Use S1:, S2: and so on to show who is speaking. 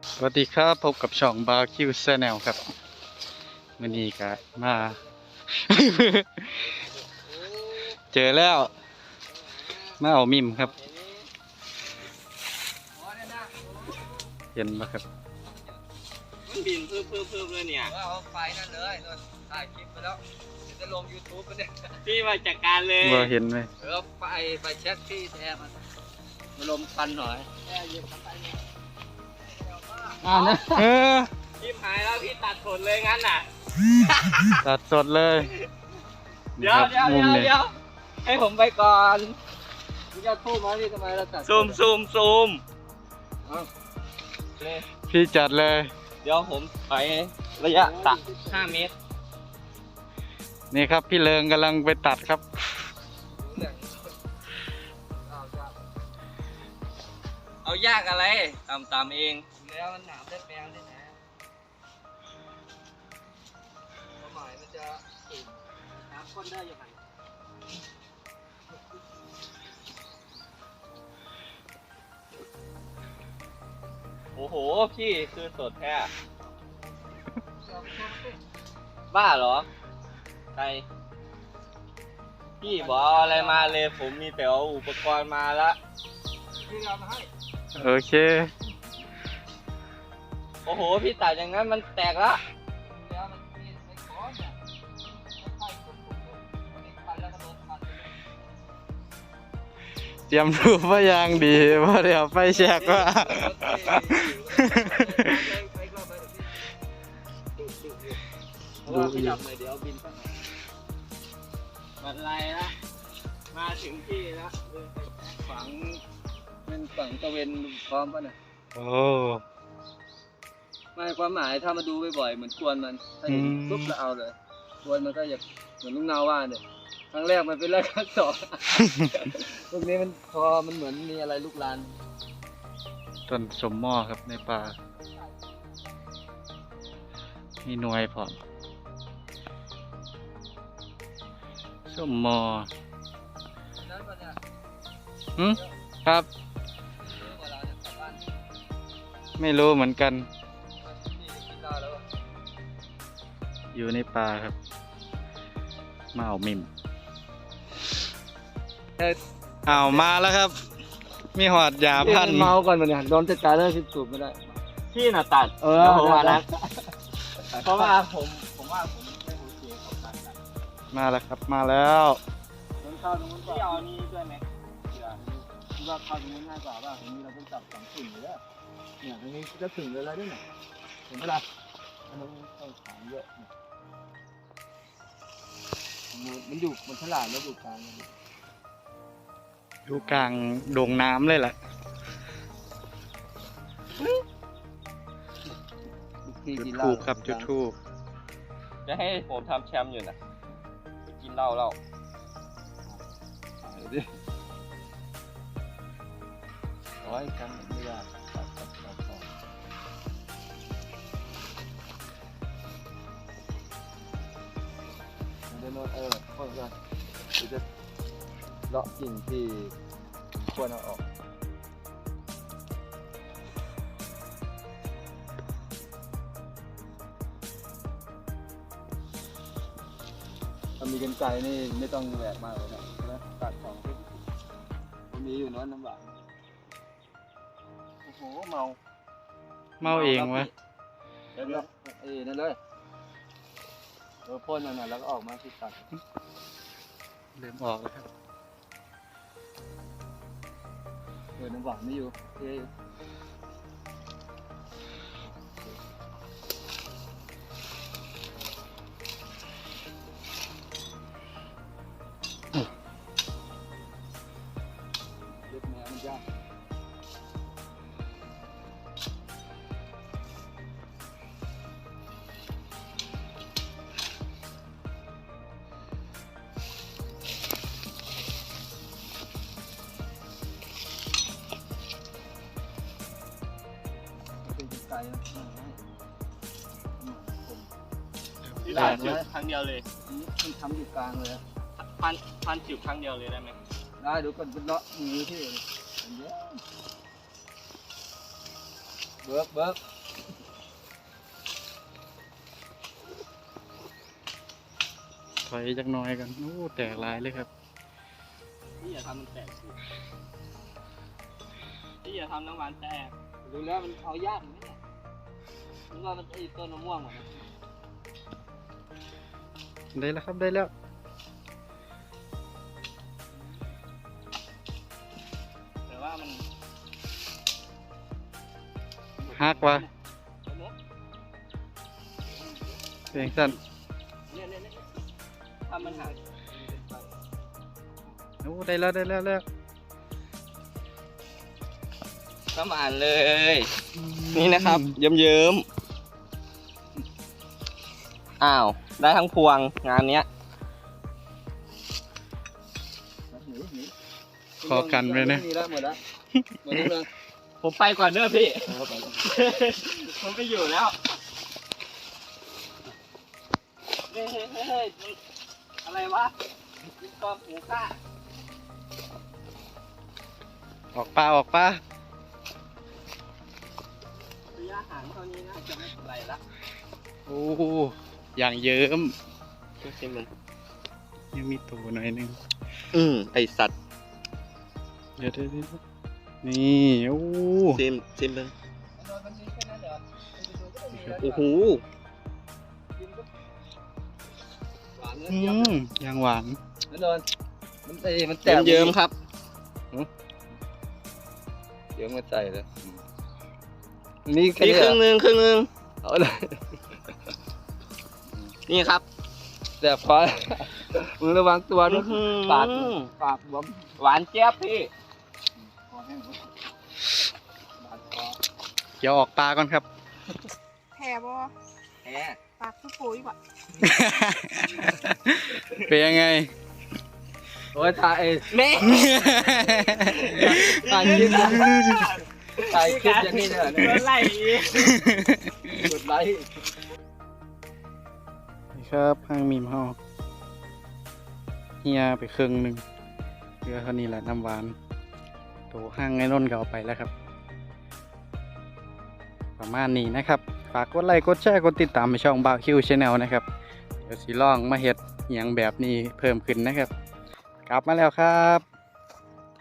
S1: สวัสดีครับพบกับช่องบาร์คิวแนลครับวันนี้ก็มา เจอแล้วมาเอามิมครับเห็นไหมครับ
S2: มันบินเพิ่มเลยเนี่ยเอาไฟนั่นเลยถ่ายคลิปไปแล้วจะลง YouTube กันเนี่ยพี่มาจัดการเลย
S1: ว่าเห็นไหม
S2: ไปเช็คที่แอร์มันมาลมควันหน่อยแอร์เย็นไปเนี่ย
S1: นะ
S2: พี่หายแล้วพี่ตัดสดเลยงั้นน่ะ
S1: ตัดสดเลย
S2: เดี๋ยวให้ผมไปก่อนพี่จะทูบมาพี่ทำไมเราตัดซูม
S1: พี่จัดเลย
S2: เดี๋ยวผมไประยะ5 เมตร
S1: นี่ครับพี่เลิงกำลังไปตัดครับ
S2: เอายากอะไรตามเองแล้วมันหนามได้แปลงได้นะความหมายมันจะสูงน้ำข้นได้ยังไงโอ้โหพี่คือสดแท้บ้าเหรอใครพี่บอกอะไรมาเลยผมมีแต่เอาอุปกรณ์มาแล้วพี่เอามาให้
S1: โอเค
S2: โอ้โหพี่ตัดอย่างนั้นมันแตกละ
S1: เตรียมรูปว่ายังดีว่าเดี๋ยวไปแชกว่า
S2: ดูจับเลยเดี๋ยวบินไปมันไรละมาถึงที่แล้วฝังเป็นฝั่งตะเวนพร้อมป่ะเนี่ย
S1: โอ้
S2: ไม่ความหมายถ้ามาดูบ่อยๆเหมือนกวนมันถ้าเห็นปุ๊บแล้วเอาเลยกวนมันก็อยากเหมือนลุงนาว่าเนี่ยครั้งแรกมันเป็นแรกครั้งสองพวกนี้มันพอมันเหมือนมีอะไรลุกลาน
S1: ต้นสมหม้อครับในป่ามีหน่วยพร้อมสมหม้อครับไม่รู้เหมือนกันอยู่ในป่าครับมาเอามิมเอามาแล้วครับมีหอดยาพัน
S2: เมาก่อนมันเนี่ยโดนจัดการได้สิสูบไม่ได้พี่น่ะตัดแล้วผมว่านะเพราะว่าผมว่าผมไม่โอเคเขาตัด
S1: มาแล้วครับมาแล้ว
S2: เข้าตรงนู้นก่อนพี่เอานี่ด้วยไหมคิดว่าเข้าตรงนู้นง่ายกว่าป่ะตรงนี้เราต้องจับ2 ถึงเลยเนี่ยตรงนี้จะถึงเลยแล้วด้วยเนี่ยเห็นไหมล่ะมันต้องถามเยอะมันอยู่มันฉลาดแล้วอยู่กลาง
S1: อยู่กลางโด่งน้ำเลยแหละจุดทูบครับจุดทูบ
S2: จะให้ผมทำแชมป์อยู่นะไปกินเหล้าโอ้ยแชมป์ไม่ยากเดี๋ยวโน้ตพวกนั้นจะเลาะกิ่งที่ควรเอาออกถ้ามีกันไกลนี่ไม่ต้องแหวกมากเลยนะตัดของที่มีอยู่น้อยน้ำหวานโอ้โหเมา
S1: เองวะ
S2: เดี๋ยวนั่นเลยพ่นมันแล้วก็ออกมาที่ตัด
S1: เริ่มออกแล้วครับ
S2: น้ำหวานไม่อยู่เล็บแมวมันยากตัดจุดครั้งเดียวเลยมันทำอยู่กลางเลยพันจุดครั้งเดียวเลยได้ไหมได้ดูก่อนเป็นเลาะมือที่เยอะเบิก
S1: ถอยจักหน่อยกันโอ้แตกหลายเลยครับ
S2: พี่อย่าทำมันแตกสิพี่อย่าทำน้ำหวานแตกดูแล้วมันเอายากไหมเนี่ยนึกว่ามันไอ้ต้นมะม่วงเหรอ
S1: ได้แล้วครับได้แล้ว
S2: แต่ว่ามัน
S1: หักว่ะเสียงสั่น
S2: เนี่ยทำมันหัก
S1: โอ้ได้แล้วได้แล้วแล้ว
S2: ก็มาอ่านเลย นี่นะครับเยิ้มๆอ้าวได้ทั้งพวงงานเนี้ย
S1: ขอกันไว้นะ
S2: หมดแล้วผมไปก่อนเด้อพี่ ผมไปอยู่แล้วเฮ้ยอะไรวะกินกองหูข้า
S1: ออกปลาออกปลา
S2: ระยะห่างเท่านี้น่าจะไม่เป็นไรละ
S1: โอ้อย่างเยิ้ม
S2: ชิมมัน
S1: ยังมีตัวหน่อยหนึง
S2: ไอสัตว์
S1: เดี๋ยวนี่โอ้
S2: ชิมมันโอ้โหหวาน
S1: ยังหวาน
S2: แน่นอนมันแตกเยิ้มครับเยิ้มมาใส่เลยนี่ครึ่งนึงเอาเลยนี่ครับแต่พอมึงระวังตัวนะปากหวานเจี๊ยบพี่
S1: เดี๋ยวออกปลาก่อนครับ
S3: แผ่บ่
S2: แหม
S3: ปากคือปุ๋ยบ่
S1: เป็นยังไง
S2: โอ้ยถ่ายแม่ถ่ายคลิปอย่างนี้เลยกดไลค์กดไลค์
S1: นี่ครับห้างมีมเฮาเฮียไปครึ่งหนึ่งเรือเท่านี้แหละน้ำหวานโตห้างไอ้นนท์ก็เอาไปแล้วครับ ประมาณนี้นะครับ ฝากกดไลค์กดแชร์กดติดตามไปช่องบ่าวคิวชาแนลนะครับเดี๋ยวสิลองมาเฮ็ดอหย่างแบบนี้เพิ่มขึ้นนะครับ กลับมาแล้วครับ